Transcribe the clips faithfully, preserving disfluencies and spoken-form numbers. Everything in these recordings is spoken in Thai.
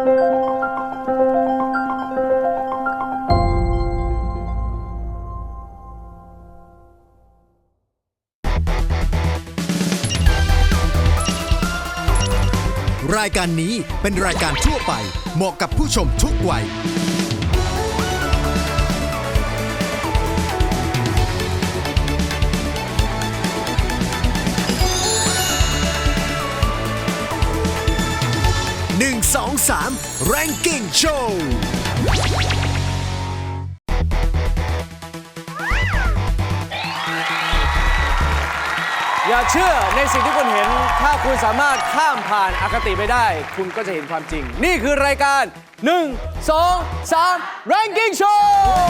รายการนี้เป็นรายการทั่วไปเหมาะกับผู้ชมทุกวัยหนึ่ง สอง สาม Ranking Show อย่าเชื่อในสิ่งที่คุณเห็นถ้าคุณสามารถข้ามผ่านอคติไปได้คุณก็จะเห็นความจริงนี่คือรายการหนึ่ง สอง สาม Ranking Show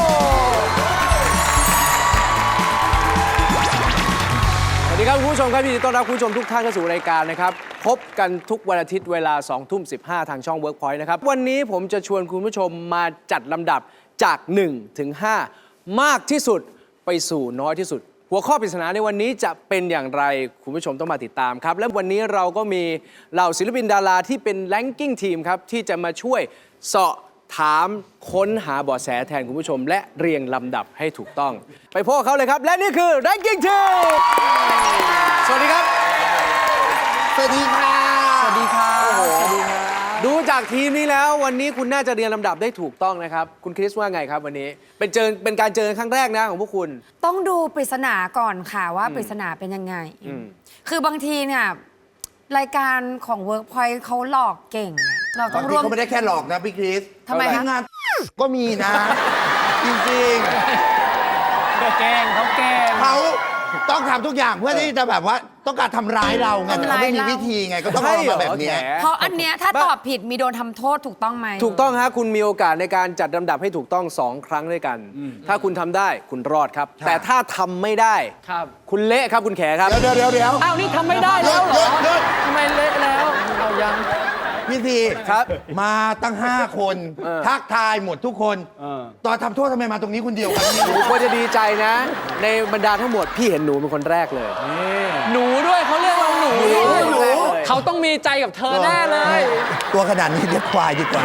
สวัสดีครับคุณผู้ชมครับยินดีต้อนรับคุณผู้ชมทุกท่านเข้าสู่รายการนะครับพบกันทุกวันอาทิตย์เวลา สองทุ่มสิบห้า ทางช่อง Workpoint นะครับวันนี้ผมจะชวนคุณผู้ชมมาจัดลำดับจากหนึ่งถึงห้ามากที่สุดไปสู่น้อยที่สุดหัวข้อปริศนาในวันนี้จะเป็นอย่างไรคุณผู้ชมต้องมาติดตามครับและวันนี้เราก็มีเหล่าศิลปินดาราที่เป็น Ranking Team ครับที่จะมาช่วยเสาะถามค้นหาเบาะแสแทนคุณผู้ชมและเรียงลำดับให้ถูกต้องไปพบกับเขาเลยครับและนี่คือ Ranking Team สวัสดีครับสวัสดีค่ะสวัสดีครับสวัสดีครับดูจากทีมนี้แล้ววันนี้คุณน่าจะเรียงลำดับได้ถูกต้องนะครับคุณคริสว่าไงครับวันนี้เป็นเจอเป็นการเจอครั้งแรกนะของพวกคุณต้องดูปริศนาก่อนค่ะว่าปริศนาเป็นยังไงคือบางทีเนี่ยรายการของ Workpoint เขาหลอกเก่งเราต้องร่วมเขาไม่ได้แค่หลอกนะพี่คริสทำไมคะงานก็มีนะจริงๆแกล้งเขาแกล้งเขาต้องทำทุกอย่างเพื่อที่จะแบบว่าต้องการทำร้ายเราไงแต่เขาไม่มีวิธีไงก็ต้องเอามาแบบนี้เพราะอันเนี้ยถ้าตอบผิดมีโดนทำโทษถูกต้องไหมถูกต้องฮะคุณมีโอกาสในการจัดลำดับให้ถูกต้องสองครั้งด้วยกันถ้าคุณทำได้คุณรอดครับแต่ถ้าทำไม่ได้คุณเละครับคุณแขครับเดี๋ยวเดี๋ยวเดี๋ยวอ้าวนี่ทำไม่ได้แล้วเหรอทำไมเละแล้วเอายังพี่ทีครับมาตั้งห้าคนทักทายหมดทุกคนตอนทำโทษทำไมมาตรงนี้คนเดียวกันหนูควรจะดีใจนะในบรรดาทั้งหมดพี่เห็นหนูเป็นคนแรกเลยหนูด้วยเขาเรียกเราหนูเขาต้องมีใจกับเธอแน่เลยตัวขนาดนี้เรียกควายดีกว่า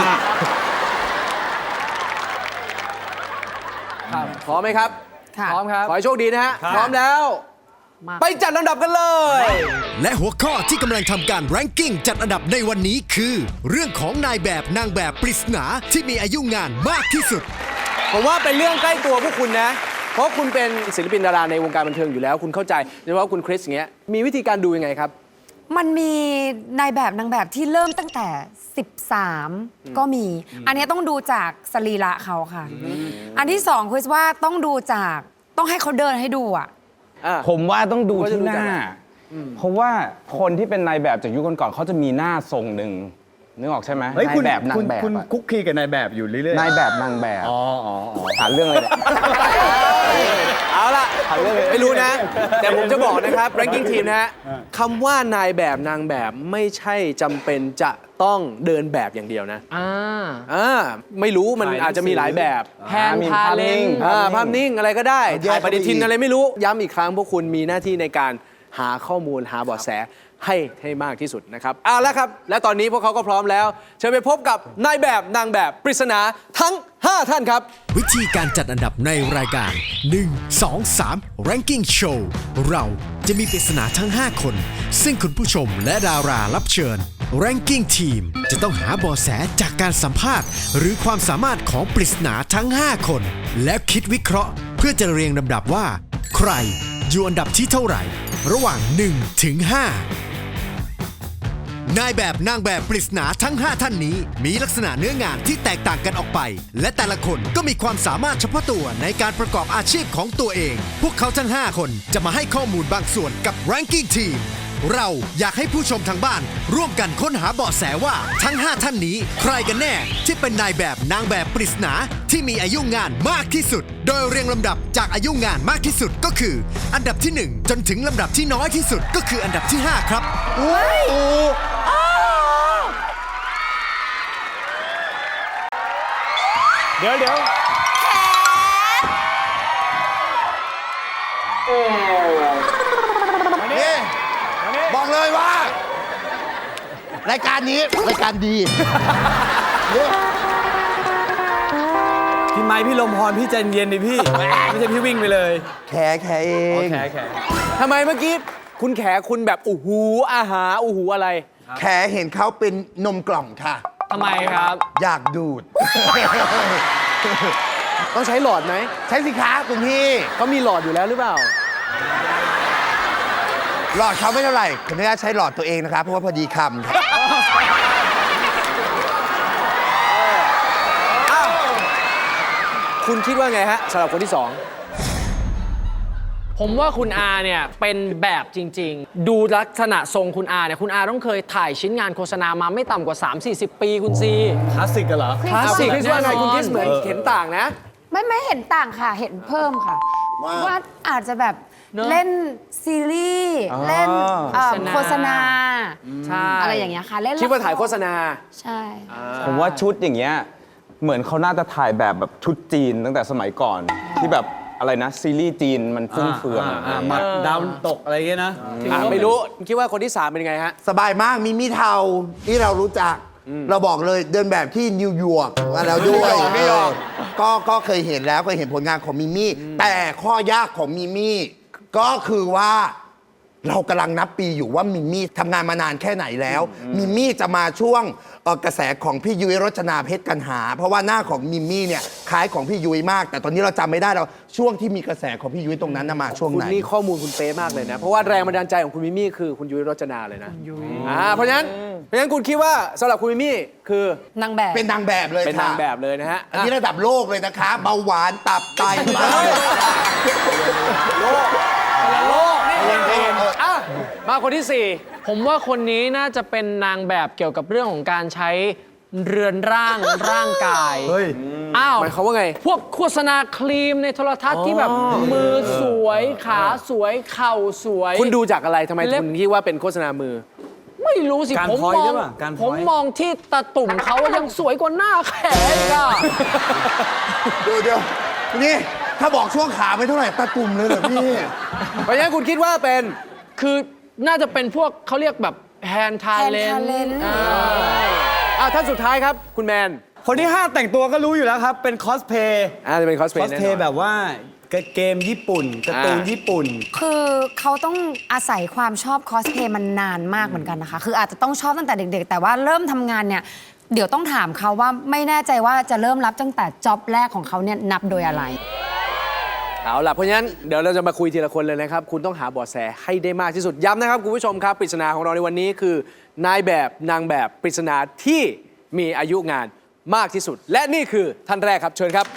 พร้อมไหมครับพร้อมครับขอให้โชคดีนะฮะพร้อมแล้วไปจัดลำดับกันเลยและหัวข้อที่กำลังทำการ ranking จัดอันดับในวันนี้คือเรื่องของนายแบบนางแบบปริศนาที่มีอายุงานมากที่สุดผมว่าเป็นเรื่องใกล้ตัวพวกคุณนะเพราะคุณเป็นศิลปินดาราในวงการบันเทิงอยู่แล้วคุณเข้าใจโดยเฉพาะคุณคริสอย่างเงี้ยมีวิธีการดูยังไงครับมันมีนายแบบนางแบบที่เริ่มตั้งแต่สิบสามก็มีอันนี้ต้องดูจากสรีระเขาค่ะอันที่สองคือว่าต้องดูจากต้องให้เขาเดินให้ดูอ่ะผมว่าต้องดูที่หน้าเพราะว่าคนที่เป็นนายแบบจากยุคก่อนๆเขาจะมีหน้าทรงหนึ่งนึกออกใช่ไหมนายแบบนางแบบคุณคุกคีกับนายแบบอยู่เรื่อยๆนายแบบนางแบบอ๋อหาเรื่องเลยเอาล่ะไม่รู้นะแต่ผมจะบอกนะครับ ranking team นะฮะคำว่านายแบบนางแบบไม่ใช่จำเป็นจะต้องเดินแบบอย่างเดียวนะอ่าอ่าไม่รู้มันอาจจะมีหลายแบบแพนพาเล้งภาพนิ่งอะไรก็ได้ถ่ายปฏิทินอะไรไม่รู้ย้ำอีกครั้งพวกคุณมีหน้าที่ในการหาข้อมูลหาเบาะแสให้ให้มากที่สุดนะครับเอาละครับและตอนนี้พวกเขาก็พร้อมแล้วเชิญไปพบกับนายแบบนางแบบปริศนาทั้งห้าท่านครับวิธีการจัดอันดับในรายการหนึ่ง สอง สาม Ranking Show เราจะมีปริศนาทั้งห้าคนซึ่งคุณผู้ชมและดารารับเชิญ Ranking Team จะต้องหาเบาะแสจากการสัมภาษณ์หรือความสามารถของปริศนาทั้งห้าคนแล้วคิดวิเคราะห์เพื่อจะเรียงลำดับว่าใครอยู่อันดับที่เท่าไหร่ระหว่างหนึ่งถึงห้านายแบบนางแบบปริศนาทั้งห้าท่านนี้มีลักษณะเนื้องานที่แตกต่างกันออกไปและแต่ละคนก็มีความสามารถเฉพาะตัวในการประกอบอาชีพของตัวเองพวกเขาทั้งห้าคนจะมาให้ข้อมูลบางส่วนกับ Ranking Team เราอยากให้ผู้ชมทางบ้านร่วมกันค้นหาเบาะแสว่าทั้งห้าท่านนี้ใครกันแน่ที่เป็นนายแบบนางแบบปริศนาที่มีอายุงานมากที่สุดโดยเรียงลำดับจากอายุงานมากที่สุดก็คืออันดับที่หนึ่งจนถึงลำดับที่น้อยที่สุดก็คืออันดับที่ห้าครับเดี๋ยวเดี๋ยวนี่บอกเลยว่ารายการนี้รายการดีพี่ไม้พี่ลมพรพี่ใจเย็นดิพี่ ไม่ใช่พี่วิ่งไปเลยแขแขเองแขแขทำไมเมื่อกี้คุณแขคุณแบบอู้หูอาหารอู้หูอะไรแขเห็นเขาเป็นนมกล่องค่ะทำไมครับอยากดูดต้องใช้หลอดไหมใช้สิคะคุณพี่เขามีหลอดอยู่แล้วหรือเปล่าหลอดเขาไม่เท่าไหร่ขออนุญาตใช้หลอดตัวเองนะครับเพราะว่าพอดีคำครับคุณคิดว่าไงฮะสำหรับคนที่สองผมว่าคุณอาเนี่ยเป็นแบบจริง ๆ ดูลักษณะทรงคุณอาเนี่ยคุณอาต้องเคยถ่ายชิ้นงานโฆษณามาไม่ต่ำกว่า สามสี่สิบ ปีคุณซีคลาสสิกกันเหรอคลาสสิกแน่คิดว่าไงนอนคุณคิดเหมือนเห็นต่างนะไม่ไม่เห็นต่างค่ะ เห็นเพิ่มค่ะว่าว่าอาจจะแบบเนอะเล่นซีรีส์เล่นเอ่อโฆโฆษษณาณา ใช่อะไรอย่างเงี้ยค่ะ เล่นคิดว่าถ่ายละรโฆษณาใช่ผมว่าชุดอย่างเงี้ยเหมือนเขาน่าจะถ่ายแบบแบบชุดจีนตั้งแต่สมัยก่อน ที่แบบอะไรนะ ซีรีส์จีนมันฟุ่มเฟือยอ่าหมัดดาวตกอะไรเงี้ยนะอ่ะไม่รู้ คิดว่าคนที่สามเป็นยังไงฮะสบายมากมีมีเทาที่เรารู้จัก เราบอกเลยเดินแบบที่นิวยอร์กมาแล้วด้วยนิวยอร์กก็ก็เคยเห็นแล้วเคยเห็นผลงานของมิมี่แต่ข้อยากของมิมี่ก็คือว่าเรากำลังนับปีอยู่ว่ามิมี่ทำงานมานานแค่ไหนแล้วมิมี่จะมาช่วงเอ่อกระแสของพี่ยุ้ยรจนาเพชรกันหา เพราะว่าหน้าของมิมี่เนี่ยคล้ายของพี่ยุ้ยมาก แต่ตอนนี้เราจำไม่ได้แล้วช่วงที่มีกระแสของพี่ยุ้ยตรงนั้นน่ะมาช่วงคุณไหนนี่ข้อมูลคุณเป๊ะมากเลยนะ เพราะว่าแรงบันดาลใจของคุณมิมี่คือคุณยุ้ยรจนาเลยนะอ่าเพราะฉะนั้นเพราะฉะนั้นคุณคิดว่าสำหรับคุณมิมี่คือนางแบบเป็นนางแบบเลยเป็นค่ะนางแบบเลยนะฮะอันนี้ระดับโลกเลยนะคะเบาหวานตับไตอ่ะมาคนที่สี่ผมว่าคนนี้น่าจะเป็นนางแบบเกี่ยวกับเรื่องของการใช้เรือนร่างร่างกายเฮ้ยอ้าวหมายความว่าไงพวกโฆษณาครีมในโทรทัศน์ที่แบบมือสวยขาสวยเข่าสวยคุณดูจากอะไรทำไมเล็บคุณคิดว่าเป็นโฆษณามือไม่รู้สิการผมพอยมอหรืงอเปล่าการผมพอยมองที่ตาตุ่มเขายังสวยกว่าหน้าแขนอีกอะดูเดี๋ยวนี่ถ้าบอกช่วงขาไม่เท่าไหร่ตาตุ่มเลยเหรอพี่เพราะฉะนั้นคุณคิดว่าเป็นคือน่าจะเป็นพวกเขาเรียกแบบแฮนทา Hand เลน talent อ่ะท่านสุดท้ายครับ คุณแมนคนที่ห้าแต่งตัวก็รู้อยู่แล้วครับ เป็นคอสเพย์อ่าจะเป็นคอสเพคลอสย์แน่เพนอย์นแบบว่าเกมญี่ปุ่นการ์ตูนอ่าญี่ปุ่นคือเขาต้องอาศัยความชอบคอสเพลย์มันนานมากเหมือนกันนะคะ คืออาจจะต้องชอบตั้งแต่เด็ก ๆ แต่ว่าเริ่มทำงานเนี่ย เดี๋ยวต้องถามเขาว่าไม่แน่ใจว่าจะเริ่มรับตั้งแต่จ็อบแรกของเขาเนี่ยนับโดยอะไรเอาล่ะเพราะฉะนั้นเดี๋ยวเราจะมาคุยทีละคนเลยนะครับ คุณต้องหาเบาะแสให้ได้มากที่สุดย้ำนะครับคุณผู้ชมครับปริศนาของเราในวันนี้คือนายแบบนางแบบปริศนาที่มีอายุงานมากที่สุด และนี่คือท่านแรกครับเชิญครับ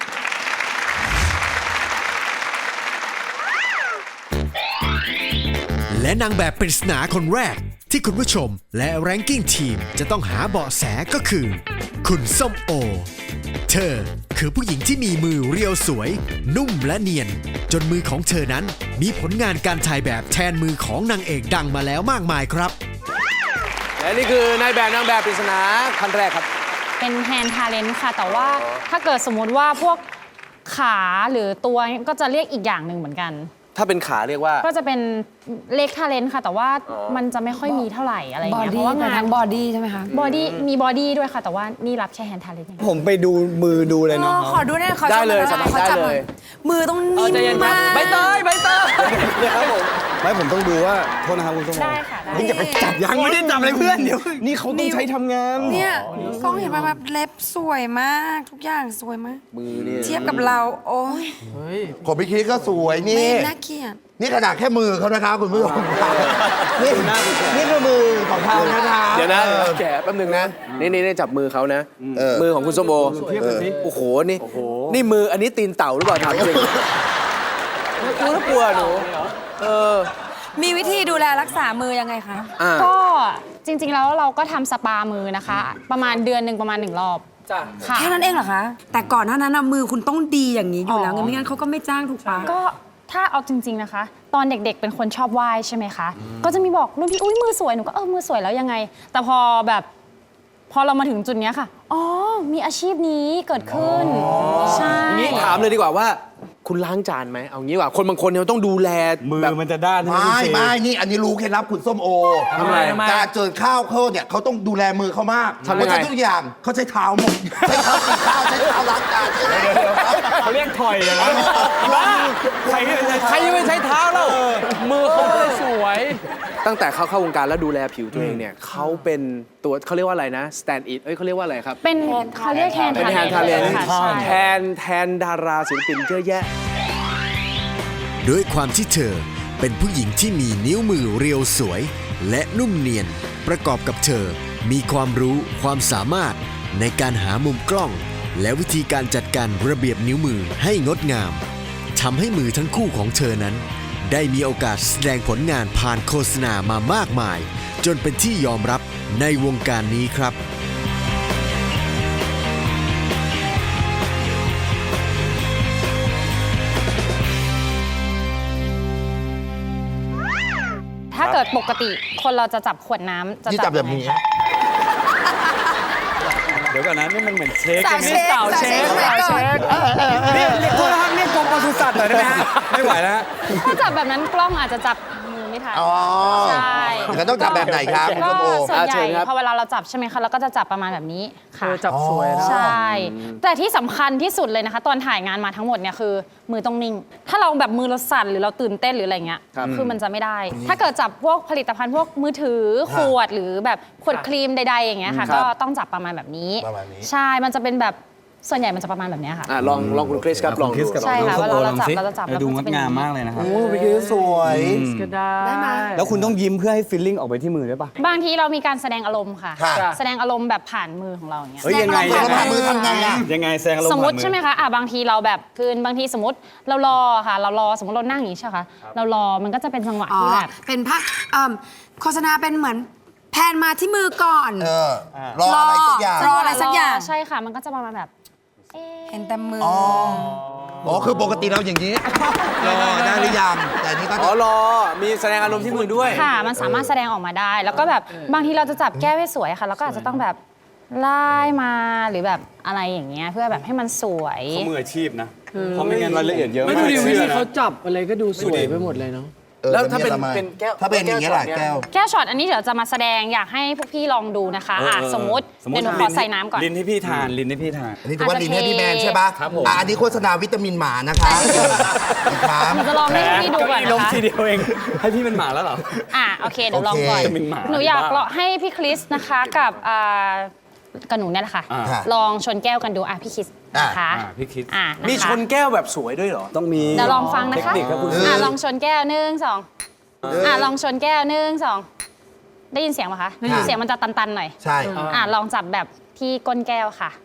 และนางแบบปริศนาคนแรกที่คุณผู้ชมและแรงกิ้งทีมจะต้องหาเบาะแสก็คือ คุณส้มโอ เธอคือผู้หญิงที่มีมือเรียวสวย นุ่มและเนียน จนมือของเธอนั้นมีผลงานการถ่ายแบบแทนมือของนางเอกดังมาแล้วมากมายครับและนี่คือนายแบบนางแบบปริศนาท่านแรกครับเป็นแฮนด์ทาเลนต์ค่ะ แต่ว่าถ้าเกิดสมมุติว่าพวกขาหรือตัวก็จะเรียกอีกอย่างหนึ่งเหมือนกันถ้าเป็นขาเรียกว่าก็จะเป็นเล็กทาเลนต์ค่ะ แต่ว่ามันจะไม่ค่อยมีเท่าไหร่อะไรอบ ย่างอเงี้ยเพดี้ราะว่าเป็นงานทั้งบอดี้ใช่ไหมคะบอดี้มีบอดี้ด้วยค่ะ แต่ว่านี่รับแค่แฮนด์ทาเลนต์อย่างเดียวผมไปดูมือดูเลยเอเนาะอขอดูหน่อยขอได้เลยชมหน่อสบายขอจับได้หน่อเลยมือต้องนิ่มมากใบเตยใบเตยไม่ผมต้องดูว่าโทษนะครับคุณส้มโอได้ค่ะได้นี่จะไปจับยังไม่ได้จับเลยเพื่อนเดี๋ยวนี่เขาต้องใช้ทำงานเนี่ยกล้องเห็นไหมแบบเล็บสวยมากทุกอย่างสวยมากมือนี่เทียบกับเรา โอ้ยของพี่คิดก็สวยไม่นี่น่าเกลียดนี่ขนาดแค่มือเขานะครับคุณผู้ชมครับนี่นี่คือมือของเขานะคะเดี๋ยวนะออแกะแป๊บหนึงนะ นี่นี่นี่จับมือเขานะเออมือของคุณส้มโอเทียบกันสิโอ้โห นี่ นี่มืออันนี้ตีนเต่าหรือเปล่าถามจริงน่ากลัวหนู เออมีวิธีดูแลรักษามือยังไงคะอ่าก็จริง ๆ แล้วเราก็ทำสปามือนะคะ ประมาณเดือนหนึ่งประมาณหนึ่งรอบจ้ะค่ะแค่นั้นเองเหรอคะ แต่ก่อนหน้านั้นนะมือคุณต้องดีอย่างนี้อยู่แล้วอ๋อไงไม่งั้นเขาก็ไม่จ้างถูกปะก็ถ้าเอาจริง ๆนะคะ ตอนเด็กๆ เป็นคนชอบไหว้ใช่ไหมคะ ก็จะมีบอกรุ่นพี่อุ้ยมือสวยหนูก็เออมือสวยแล้วยังไง แต่พอแบบพอเรามาถึงจุดเนี้ยค่ะอ๋อมีอาชีพนี้เกิดขึ้นใช่นี้ถามเลยดีกว่าว่าคุณล้างจานไหมเอางี้ว่าคนบางคนเนี่ยต้องดูแลมือแบบมันจะด้านใช่ไหมไม่พี่เชไม่นี่อันนี้รู้เคล็ดลับคุณส้มโอทำไมทำไมการเจอข้าวเขาเนี่ยเขาต้องดูแลมือเขามากทำยังไงเพราะฉะนั้นทุกอย่างเขาใช้เท้าหมดใช้เท้ากินข้าวใช้เท้าล้างจานใช้เท้าเขาเรียกถอยอะนะใครที่เป็นใครจะไปใช้เท้าเรามือเขาเลยสวย ตั้งแต่เขาเข้าวงการแล้วดูแลผิวตัวเองเนี่ยเขาเป็นตัวเขาเรียกว่าอะไรนะ stand it เอ้ยเขาเรียกว่าอะไรครับเป็นเขาเรียกแทนเป็นแทนทาเลนค่ะใช่แทนแทนดาราศิลปินเยอะแยะด้วยความที่เธอเป็นผู้หญิงที่มีนิ้วมือเรียวสวย และนุ่มเนียน ประกอบกับเธอมีความรู้ความสามารถในการหามุมกล้อง และวิธีการจัดการระเบียบนิ้วมือให้งดงามทำให้มือทั้งคู่ของเธอนั้น ได้มีโอกาสแสดงผลงานผ่านโฆษณามามากมาย จนเป็นที่ยอมรับในวงการนี้ครับถ้าเกิดปกติคนเราจะจับขวดน้ำจะนี่จับแบบนี้ยังไงคะเดี๋ยวก่อนนะนี่มันเหมือนเช็คสาวเช็คสาวเช็คสาวเช็คก่อนเรียกเรียกโทษนะครับเรียกกรมปศุสัตว์หน่อยได้ไหมฮะไม่ไหวแล้วถ้าจับแบบนั้นกล้องอาจจะจับมือไม่ทันอ๋อใช่แล้วต้องจับแบบไหนครับคุณก็ส้มโอส่วนใหอ่ะเชิญ่ญครับพอเวลาเราจับใช่ไหมคะเราก็จะจับประมาณแบบนี้ค่ะจับสวยนะใช่ แต่ที่สำคัญที่สุดเลยนะคะ ตอนถ่ายงานมาทั้งหมดเนี่ยคือมือต้องนิ่ง ถ้าเราแบบมือเราสั่นหรือเราตื่นเต้นหรืออะไรเงี้ยครับคือมันจะไม่ได้ ถ้าเกิดจับพวกผลิตภัณฑ์พวกมือถือขวดหรือแบบขวดครีมใดๆอย่างเงี้ยค่ะ ก็ต้องจับประมาณแบบนี้ประมาณนี้ใช่ มันจะเป็นแบบส่วนใหญ่มันจะประมาณแบบเนี้ยค่ะอ่ะลองลองคุณคริสครับลองคริดูสกับใช่ค่ะลองเวลาเราจับลองสิเราจะจับเออดูแล้วงมันดจะเป็นงามมากเลยนะครับโอ้พี่คิดสวยก็ได้ได้ไหมแล้วคุณต้องยิ้มเพื่อให้ฟีลลิ่งออกไปที่มือด้วยป่ะบางทีเรามีการแสดงอารมณ์ค่ะค่ะแสดงอารมณ์แบบผ่านมือของเราอย่างเงี้ยเฮ้ยยังไงแล้วผ่านมือทำไงอ่ะยังไงแซงอารมณ์สมมติผ่านอใช่ไหมคะอ่ะบางทีเราแบบคือบางทีสมมติเรารอค่ะ เรารอสมมติเรานั่งอย่างนี้ใช่ไหมคะเรารอมันก็จะเป็นจังหวะอ๋อที่แบบเป็นภาพเอิ่มโฆษณาเป็นเหมือนแพนมาที่มือก่อนเออ รออะไรสักอย่างรออะไรสักอย่างใช่ค่ะ มันก็จะประมาณแบบเอ๊ะเห็นแต่มืออ๋อ อ๋อ คือปกติเราอย่างนี้ รอได้หรือยัง แต่นี่ก็อ๋อรอ มีแสดงอารมณ์ที่มือด้วยค่ะ มันสามารถแสดงออกมาได้ แล้วก็แบบบางทีเราจะจับแก้วให้สวยค่ะ แล้วก็อาจจะต้องแบบไล่มาหรือแบบอะไรอย่างเงี้ยเพื่อแบบให้มันสวยเขามืออาชีพนะเพราะไม่งั้นรายละเอียดเยอะไม่มากดูดิวิชื่ธีอนะเขาจับอะไรก็ดูสวยไปหมดเลยเนาะออแล้วถ้าเป็นบบเป็นแก้วถ้าเป็นอย่างนี้ยแหละแก้วแก้วแก้วช็อตอันนี้เดี๋ยวจะมาแสดงอยากให้พวกพี่ลองดูนะคะอ่ะสมมติเดี๋ยวหนูขอใส่น้ำก่อนลิ้นให้พี่ทานลิ้นให้พี่ทานอันนี้ถือว่าลินให้พี่แมนใช่ปะครับผมอ่ะอันนี้โฆษณาวิตามินหมานะคะครับหนูจะลองให้พี่ดูก่อนลนะงคะทีเดียวเอง ให้พี่เป็นหมาแล้วเหรออ่ะโอเคเดี๋ยวลองก่อนโอเคเป็นหมาหนูอยากบ้าลองให้พี่คริสนะคะกับอ่ากับหนูเนี่ยแหละค่ะอ่าลองชนแก้วกันดูอ่ะพี่คริสนะคะอ่าพี่คริสอ่ะะะมีชนแก้วแบบสวยด้วยเหรอต้องมีเดี๋ยวลองฟังนะคะเทคนิคครับคุณอ่ะลองชนแก้วหนึ่งสองอ่ะลองชนแก้วหนึ่งสองได้ยินเสียงไหมคะเสียงมันจะตันๆหน่อยใช่อ่ะลองจับแบบที่ก้นแก้วค่ะ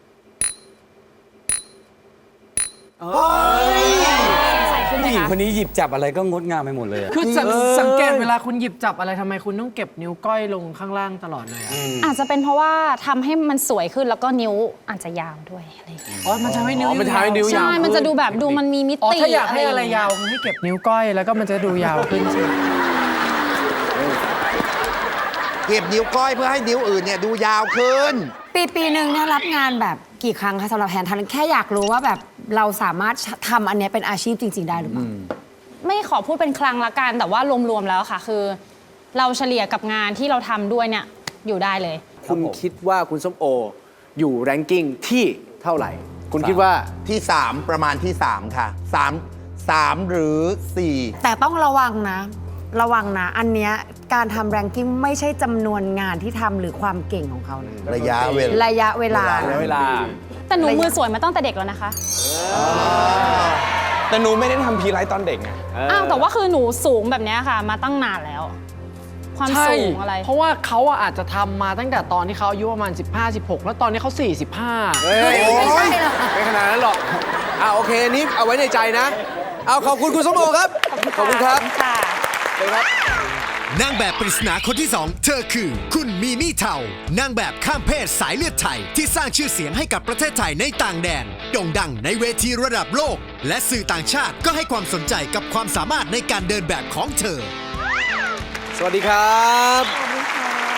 ใส่ขึ้นไหมผู้หญิงคะคนนี้หยิบจับอะไรก็งดงามไปหมดเลยอะคือสังสังเกตเวลาคุณหยิบจับอะไรทำไมคุณต้องเก็บนิ้วก้อยลงข้างล่างตลอดเลยอะอาจจะเป็นเพราะว่าทำให้มันสวยขึ้นแล้วก็นิ้วอาจจะยาวด้วยอะไรอย่างเงี้ยอ๋อ มันทำให้นิ้วอ๋อมันทำให้นิ้วใช่ มันจะดูแบบดูมันมีมิอ๋อติถ้าอยากให้อะไรงเงี้ยาวให้เก็บนิ้วก้อยแล้วก็มันจะดูยาวขึ้นใช่ไหมเก็บนิ้วก้อยเพื่อให้นิ้วอื่นเนี่ยดูยาวขึ้นปีปีหนึ่งเนี่ยรับงานแบบกี่ครั้งคะสำหรับแพนทันแค่อยากรู้ว่าแบบเราสามารถทำอันเนี้ยเป็นอาชีพจริง ๆ ได้หรือเปล่าไม่ขอพูดเป็นครั้งละกัน แต่ว่ารวมๆแล้วค่ะ คือ เราเฉลี่ยกับงานที่เราทำด้วยเนี่ยอยู่ได้เลยคุณคิดว่าคุณส้มโอ อยู่แรงกิ้งที่เท่าไหร่ คุณคิดว่าที่ 3 ประมาณที่ 3 ค่ะ 3 3 หรือ 4 แต่ต้องระวังนะ ระวังนะ อันเนี้ยการทำแรงกิ้งไม่ใช่จำนวนงานที่ทำหรือความเก่งของเขานะระยะเวลาระยะเวลาเวลาแต่หนูมือสวยมาตั้งแต่เด็กแล้วนะคะแต่หนูไม่ได้ทำพีไลท์ตอนเด็กไงอ้าวแต่ว่าคือหนูสูงแบบเนี้ยค่ะ มาตั้งนานแล้ว ความใช่สูงอะไรเพราะว่าเขาอะอาจจะทำมาตั้งแต่ตอนที่เขาอายุประมาณ สิบห้า สิบหก แล้วตอนนี้เขา สี่สิบห้าเฮ้ยไม่ใช่หรอกไม่ขนาดนั้นหรอกอ่าโอเคนี่เอาไว้ในใจนะ เอาขอบคุณคุณส้มโอครับ ขอบคุณครับค่ะเลยครับนางแบบปริศนาคนที่สองเธอคือ คุณมีมี่เทานางแบบข้ามเพศสายเลือดไทย ที่สร้างชื่อเสียงให้กับประเทศไทยในต่างแดนโด่งดังในเวทีระดับโลก และสื่อต่างชาติก็ให้ความสนใจกับความสามารถในการเดินแบบของเธอสวัสดีครับ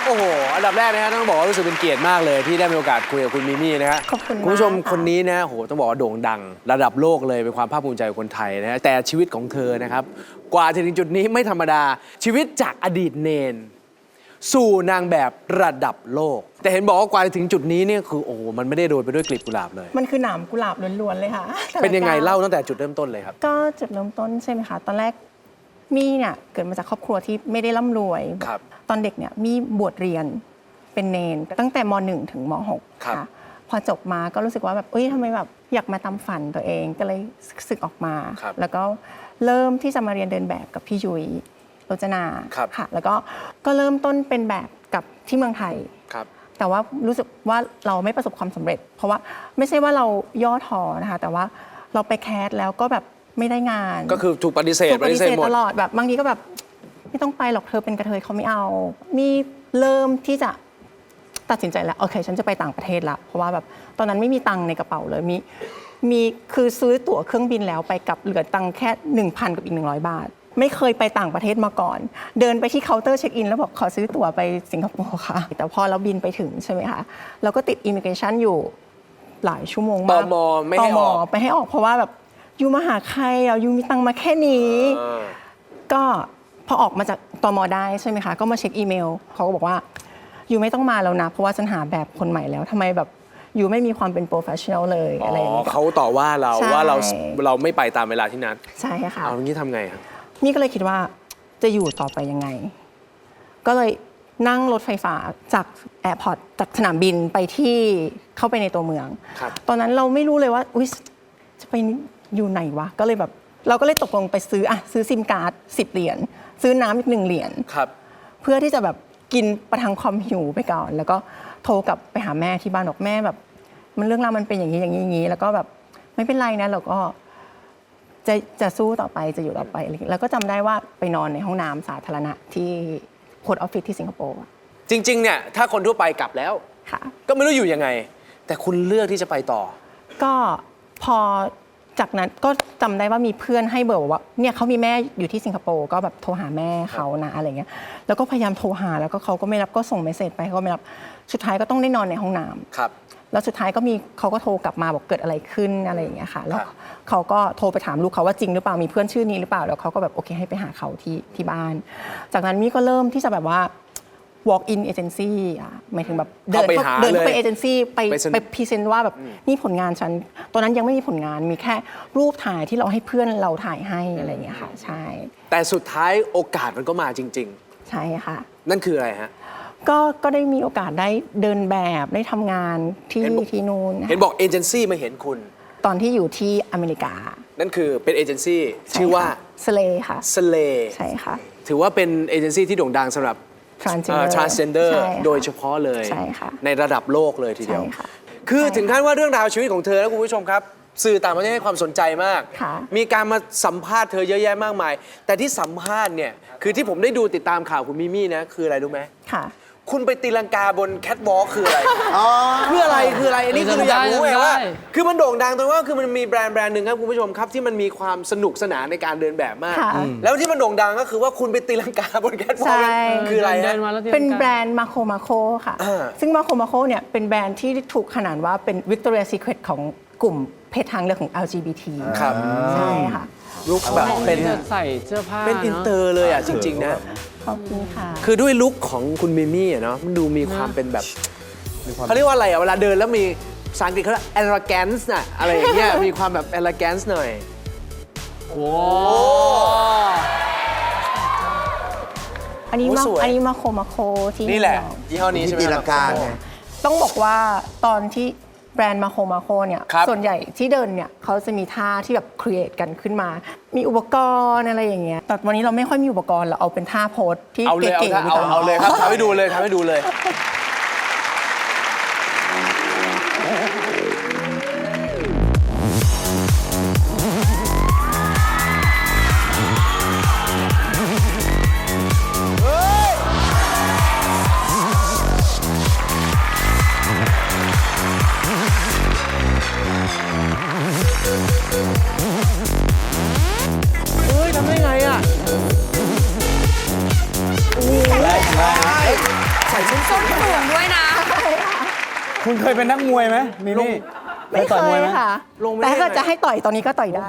โอ้โห อันดับแรกนะฮะต้องบอกว่ารู้สึกเป็นเกียรติมากเลยที่ได้มีโอกาสคุยกับคุณมิมี่นะฮะขอบคุณมากคุณผู้ชมค่ะคนนี้นะโอ้โหต้องบอกว่าโด่งดัง ระดับโลกเลยเป็นความภาคภูมิใจของคนไทยนะฮะแต่ชีวิตของเธอนะครับ กว่าจะถึงจุดนี้ไม่ธรรมดาชีวิตจากอดีตเนน สู่นางแบบระดับโลก แต่เห็นบอกว่ากว่าจะถึงจุดนี้เนี่ยคือโอ้โหมันไม่ได้โรยไปด้วยกลีบกุหลาบเลยมันคือหนามกุหลาบล้วนๆเลยค่ะแต่ละเป็นยังไงก้วเล่าตั้งแต่จุดเริ่มต้นเลยครับก็จุดเริ่มต้นใช่ไหมคะ ตอนแรกมี่เนี่ยเกิดมาจากครอบครัวที่ไม่ได้ร่ำรวยครับตอนเด็กเนี่ยมี่บวชเรียนเป็นเนน ตั้งแต่มหนึ่งถึงมหกครับค่ะ พอจบมาก็รู้สึกว่าแบบเอ้ยทำไมแบบอยากมาตามฝันตัวเองก็เลยศึกออกมาครับแล้วก็เริ่มที่จะมาเรียนเดินแบบกับพี่ยุ้ยโรจนาครับค่ะ แล้วก็ก็เริ่มต้นเป็นแบบกับที่เมืองไทยครับแต่ว่ารู้สึกว่าเราไม่ประสบความสำเร็จ เพราะว่าไม่ใช่ว่าเราย่อท้อนะคะ แต่ว่าเราไปแคสแล้วก็แบบไม่ได้งานก็คือถูกปฏิเสธถูกปฏิเสธหมดตลอดแบบบางทีก็แบบไม่ต้องไปหรอกเธอเป็นกระเทยเขาไม่เอา มีเริ่มที่จะตัดสินใจแล้วโอเค ฉันจะไปต่างประเทศละเพราะว่าแบบตอนนั้นไม่มีตังค์ในกระเป๋าเลยมีมีคือซื้อตั๋วเครื่องบินแล้วไปกลับเหลือตังค์แค่หนึ่งพันกับอีกหนึ่งร้อยบาท ไม่เคยไปต่างประเทศมาก่อน เดินไปที่เคาน์เตอร์เช็คอินแล้วบอกขอซื้อตั๋วไปสิงคโปร์ค่ะ แต่พอเราบินไปถึงใช่ไหมคะเราก็ติดอิมิเกชันอยู่หลายชั่วโมงมากตมไม่ให้ออกตมไม่ให้ออกเพราะว่าแบบยูมาหาใครอ่ะยูมีตังค์มาแค่นี้อ่าก็พอออกมาจากตมได้ใช่ไหมคะ ก็มาเช็คอีเมลเขาก็บอกว่ายูไม่ต้องมาแล้วนะ เพราะว่าฉันหาแบบคนใหม่แล้วทำไมแบบยูไม่มีความเป็นโปรเฟชชั่นอลเลยอ๋อะไรอย่างอเงี้ยเขาต่อว่าเราใช่ว่าเราเราไม่ไปตามเวลาที่นัดใช่ค่ะเอาอย่างนี้ทำไงครับมี่ก็เลยคิดว่าจะอยู่ต่อไปยังไง ก็เลยนั่งรถไฟฟ้าจากแอร์พอร์ตจากสนามบินไปที่เข้าไปในตัวเมืองครับตอนนั้นเราไม่รู้เลยว่าอุ๊ยจะไปอยู่ไหนวะ ก็เลยแบบเราก็เลยตกลงไปซื้ออะซื้อซิมการ์ดสิบเหรียญซื้อน้ำอีกหนึ่งเหรียญครับเพื่อที่จะแบบกินประทังความหิวไปก่อน แล้วก็โทรกลับไปหาแม่ที่บ้านบอกแม่แบบ มันเรื่องราวมันเป็นอย่างนี้อย่างนี้อย่างนี้ แล้วก็แบบไม่เป็นไรนะเราก็จะจะสู้ต่อไปจะอยู่ต่อไปอะไรอย่างเงี้ยแล้วก็จำได้ว่าไปนอนในห้องน้ำสาธารณะที่โพสต์ออฟฟิศที่สิงคโปร์อะจริงๆเนี่ยถ้าคนทั่วไปกลับแล้วค่ะก็ไม่รู้อยู่ยังไง แต่คุณเลือกที่จะไปต่อก็พอจากนั้นก็จำได้ว่ามีเพื่อนให้เบอร์บอกว่าเนี่ยเขามีแม่อยู่ที่สิงคโปร์ก็แบบโทรหาแม่เขานะอะไรเงี้ยแล้วก็พยายามโทรหาแล้วก็เขาก็ไม่รับก็ส่งเมสเซจไปเขาก็ไม่รับสุดท้ายก็ต้องได้นอนในห้องน้ำครับแล้วสุดท้ายก็มีเขาก็โทรกลับมาบอกเกิดอะไรขึ้นอะไรอย่างเงี้ยค่ะแล้วครับเขาก็โทรไปถามลูกเขาว่าจริงหรือเปล่ามีเพื่อนชื่อนี้หรือเปล่าแล้วเขาก็แบบโอเคให้ไปหาเขาที่ที่บ้าน จากนั้นมี่ก็เริ่มที่จะแบบว่า walk in agency อ่ะหมายถึงแบบเดินเข้าไปหาเดินเข้าไปเลยเอเจนซี่ไปไปเซ็นไปพรีเซนต์ว่าแบบนี่ผลงานฉันตอนนั้นยังไม่มีผลงานมีแค่รูปถ่ายที่เราให้เพื่อนเราถ่ายให้อะไรอย่างเงี้ยค่ะใช่แต่สุดท้ายโอกาสมันก็มาจริงใช่ค่ะๆ นั่นคืออะไรฮะก็ก็ได้มีโอกาสได้เดินแบบได้ทำงานที่เห็นบอกที่นู่นเห็นบอกเอเจนซี่มาเห็นคุณตอนที่อยู่ที่อเมริกานั่นคือเป็นเอเจนซี่ชื่อว่าสเลค่ะสเลใช่ค่ะถือว่าเป็นเอเจนซี่ที่โด่งดังสำหรับ transgender transgender ใช่ค่ะโดยเฉพาะเลยใช่ค่ะในระดับโลกเลยทีเดียวใช่ค่ะคือใช่ถึงขั้นว่าเรื่องราวชีวิตของเธอนะคุณผู้ชมครับ สื่อต่างประเทศให้ความสนใจมากค่ะมีการมาสัมภาษณ์เธอเยอะแยะมากมาย แต่ที่สัมภาษณ์เนี่ย คือที่ผมได้ดูติดตามข่าวคุณมิมี่นะ คืออะไรรู้ไหมค่ะคุณไปตีลังกาบนแคทวอล์กคืออะไรคืออะไรคืออะไรอันนี้คืออยากรู้ไงว่า คือมันโด่งดังตรงว่าคือมันมีแบรนด์แบรนด์หนึ่งครับคุณผู้ชมครับที่มันมีความสนุกสนานในการเดินแบบมากค่ะแล้วที่มันโด่งดังก็คือว่าคุณไปตีลังกาบนแคทวอล์กใช่คืออะไรเดิฮะนมาแล้วที่เป็นแบรนด์มาโคมาโคค่ะอ่าซึ่งมาโคมาโคเนี่ยเป็นแบรนด์ที่ถูกขนานว่าเป็น Victoria's Secret ของกลุ่มเพศทางเลือกของ แอล จี บี ทีครับใช่ค่ะลุคแบบเป็นจะใส่เสื้อผ้าเป็นอินเตอร์เลยอ่ะจริง ๆ นะขอบคุณค่ะคือด้วยลุคของคุณมิมี่อ่ะเนาะมันดูมีความเป็นแบบเขาเรียกว่าอะไรอ่ะ เวลาเดินแล้วมีภาษาอังกฤษเขาเรียก elegance น่ะอะไรอย่างเงี้ย มีความแบบ elegance หน่อยโอ้อันนี้โอ้มาสวยอันนี้มาโคมาโคที่นี่แหละนิวยอร์กยี่ห้อนี้ใช่ไหมที่ตีคลัรับงกาไงต้องบอกว่าตอนที่แบรนด์มาโคมาโคเนี่ยครับส่วนใหญ่ที่เดินเนี่ยเขาจะมีท่าที่แบบครีเอทกันขึ้นมา มีอุปกรณ์อะไรอย่างเงี้ย แต่วันนี้เราไม่ค่อยมีอุปกรณ์เราเอาเป็นท่าโพสที่เอาเลยเก๋เอาๆเอาดีกว่เอาเลยครับทำให้ดูเลยทำให้ดูเลย เฮ้ยทำได้ไงอ่ะ ใส่ส้นคุณเคยเป็นนักมวยไหมมิมี่ไม่เคต่อยมวยยไหมค่ะลงไม่แต่ได้ถ้าเลยจะให้ต่อยตอนนี้ก็ต่อยได้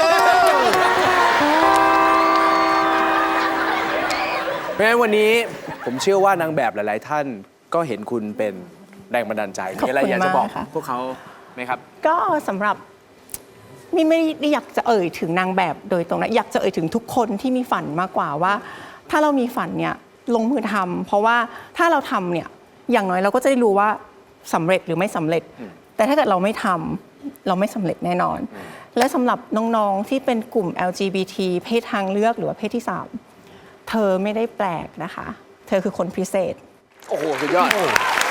เพราะฉะนั้นวันนี้ผมเชื่อว่านางแบบหลาย ๆ ท่านก็เห็นคุณเป็นแรงบันดาลใจมีอะไรอยากจะบอกขอบคุณมากค่ะพวกเขาไหมครับก็สำหรับมีไม่ได้อยากจะเอ่ยถึงนางแบบโดยตรงนะอยากจะเอ่ยถึงทุกคนที่มีฝันมากกว่าว่า ถ้าเรามีฝันเนี่ยลงมือทำเพราะว่าถ้าเราทำเนี่ยอย่างน้อยเราก็จะได้รู้ว่าสำเร็จหรือไม่สำเร็จ แต่ถ้าเกิดเราไม่ทำเราไม่สำเร็จแน่นอน และสำหรับน้องๆที่เป็นกลุ่ม แอล จี บี ที เพศทางเลือกหรือว่าเพศที่สามเธอไม่ได้แปลกนะคะ เธอคือคนพิเศษโอ้โห สุดยอด